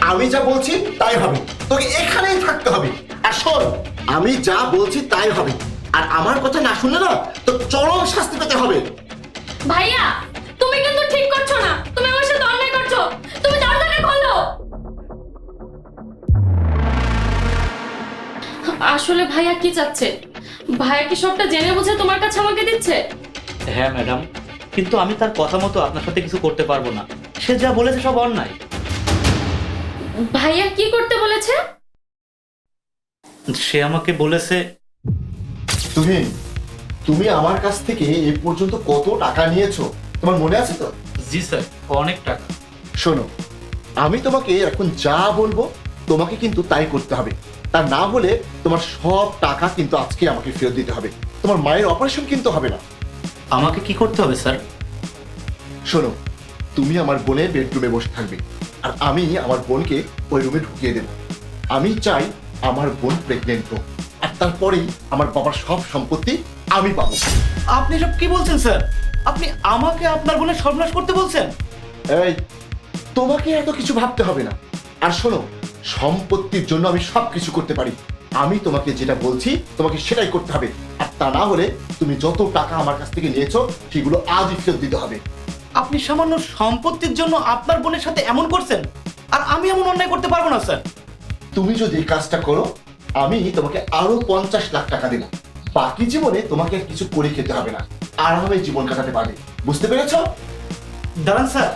আমি যা বলছি তাই হবে, তোকে এখানেই থাকতে হবে। আর শোন, আমি যা বলছি তাই হবে, আর আমার কথা না শুনলে না তো চরম শাস্তি পেতে হবে। ভাইয়া তুমি কিন্তু ঠিক করছো না, তুমি আমার সাথে অন্যায় করছো। তুমি দরজাটা খোলো। আসলে ভাইয়া কি চাচ্ছে? ভাইয়া কি সবটা জেনে বুঝে তোমার কাছে আমাকে দিচ্ছে? হ্যাঁ ম্যাডাম, কিন্তু আমি তার কথা মতো আপনার সাথে কিছু করতে পারবো না। সে যা বলেছে সব অন্যায়। ভাইয়া কি করতে বলেছে? সে আমাকে বলেছে, তুমি তুমি আমার কাছ থেকে এ পর্যন্ত কত টাকা নিয়েছো তোমার মনে আছে তো? জি স্যার, অনেক টাকা। শোনো, আমি তোমাকে এখন যা বলবো তোমাকে কিন্তু তাই করতে হবে। তা না হলে তোমার সব টাকা কিন্তু আজকে আমাকে ফেরত দিতে হবে। তোমার মায়ের অপারেশন কিন্তু হবে না। আমাকে কি করতে হবে স্যার? শোনো, তুমি আমার বোনের বেডরুমে বসে থাকবে, আর আমি আমার বোনকে ওই রুমে ঢুকিয়ে দেব। আমি চাই আমার বোন প্রেগনেন্ট হোক, আর তারপরেই আমার বাবার সব সম্পত্তি আমি পাবো। আপনি সব কি বলছেন স্যার? আপনি আমাকে আপনার বোনের সর্বনাশ করতে বলছেন? এই, তোমাকে এত কিছু ভাবতে হবে না। আর শোনো, সম্পত্তির জন্য আমি সবকিছু করতে পারি। আমি তোমাকে যেটা বলছি তোমাকে সেটাই করতে হবে, আর তা না হলে তুমি যত টাকা আমার কাছ থেকে নিয়েছো সেগুলো আজই ফেরত দিতে হবে। আপনি সামান্য সম্পত্তির জন্য আপনার বোনের সাথে এমন করছেন, আর আমি এমন অন্যায় করতে পারবো না স্যার। তুমি যদি এই কাজটা করো, আমি তোমাকে আরো 50 লাখ টাকা দেবো। বাকি জীবনে তোমাকে আর কিছু করে খেতে হবে না, আরামে জীবন কাটাতে পারবে। বুঝতে পেরেছো? দাঁড়ান স্যার,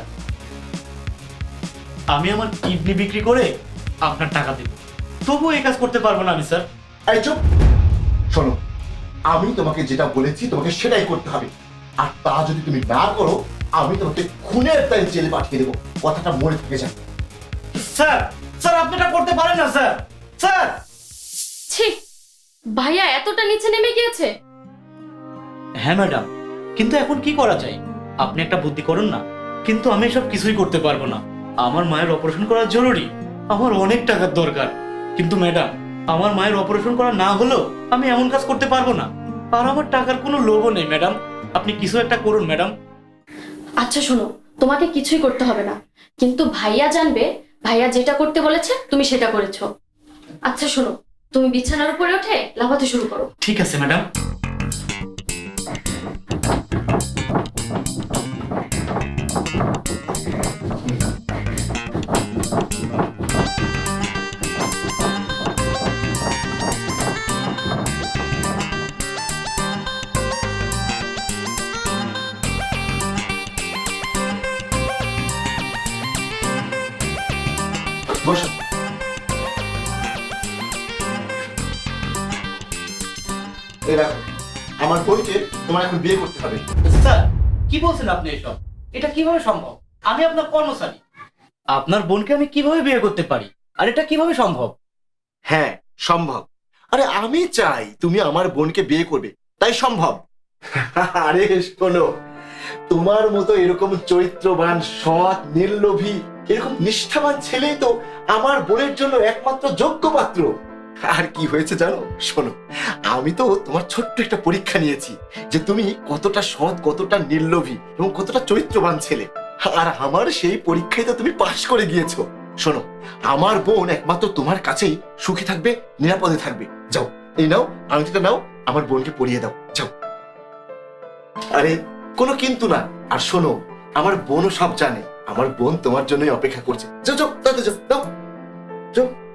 আমি আমার কিডনি বিক্রি করে আপনার টাকা দেব, তবুও এই কাজ করতে পারবো না আমি স্যার। এই চুপ! শোনো, আমি তোমাকে যেটা বলেছি তোমাকে সেটাই করতে হবে, আর তা যদি তুমি না করো আমি তোমাকে খুনের দায়ে জেলে পাঠিয়ে দেবো। কথাটা মনে থেকে যাবে। স্যার, স্যার আপনি এটা করতে পারেন না স্যার। স্যার! ছি, ভাইয়া এতটা নিচে নেমে গিয়েছে। হ্যাঁ ম্যাডাম, কিন্তু এখন কি করা যায়? আপনি একটা বুদ্ধি করুন না। কিন্তু আমি সব কিছুই করতে পারবো না। আমার মায়ের অপারেশন করা জরুরি, আমার অনেক টাকার দরকার। কিন্তু ম্যাডাম, আমার মায়ের অপারেশন করা না হলেও আমি এমন কাজ করতে পারবো না। আর আমার টাকার কোনো লোভও নেই ম্যাডাম। আপনি কিছু একটা করুন ম্যাডাম। আচ্ছা শোনো, তোমাকে কিছুই করতে হবে না, কিন্তু ভাইয়া জানবে ভাইয়া যেটা করতে বলেছে তুমি সেটা করেছো। আচ্ছা শোনো, তুমি বিছানার উপরে উঠে লাফাতে শুরু করো। ঠিক আছে ম্যাডাম। বসো। এই দেখো, আমার বোনকে তোমার এখন বিয়ে করতে হবে। স্যার, কি বলছেন আপনি এসব? এটা কিভাবে সম্ভব? আমি আপনার কর্মচারী। আপনার বোনকে আমি কিভাবে বিয়ে করতে পারি? আর এটা কিভাবে সম্ভব? হ্যাঁ, সম্ভব। আরে আমি চাই তুমি আমার বোনকে বিয়ে করবে, তাই সম্ভব। আরে শোনো, তোমার মতো এরকম চরিত্রবান, সৎ, নির্লোভী, এরকম নিষ্ঠাবান ছেলেই তো আমার বোনের জন্য একমাত্র যোগ্য পাত্র। আর কি হয়েছে জানো? শোনো, আমি তো তোমার ছোট্ট একটা পরীক্ষা নিয়েছি যে তুমি কতটা সৎ, কতটা নির্লোভী এবং কতটা চরিত্রবান ছেলে। আর আমার সেই পরীক্ষায় তো তুমি পাশ করে গিয়েছো। শোনো, আমার বোন একমাত্র তোমার কাছেই সুখী থাকবে, নিরাপদে থাকবে। যাও, এই নাও আংটিটা নাও, আমার বোনকে পরিয়ে দাও, যাও। আরে কোনো কিন্তু না। আর শোনো, আমার বোনও সব জানে। আমার বোন তোমার জন্যই অপেক্ষা করছে। যাও যাও, তাতে যাও, দাও, যাও।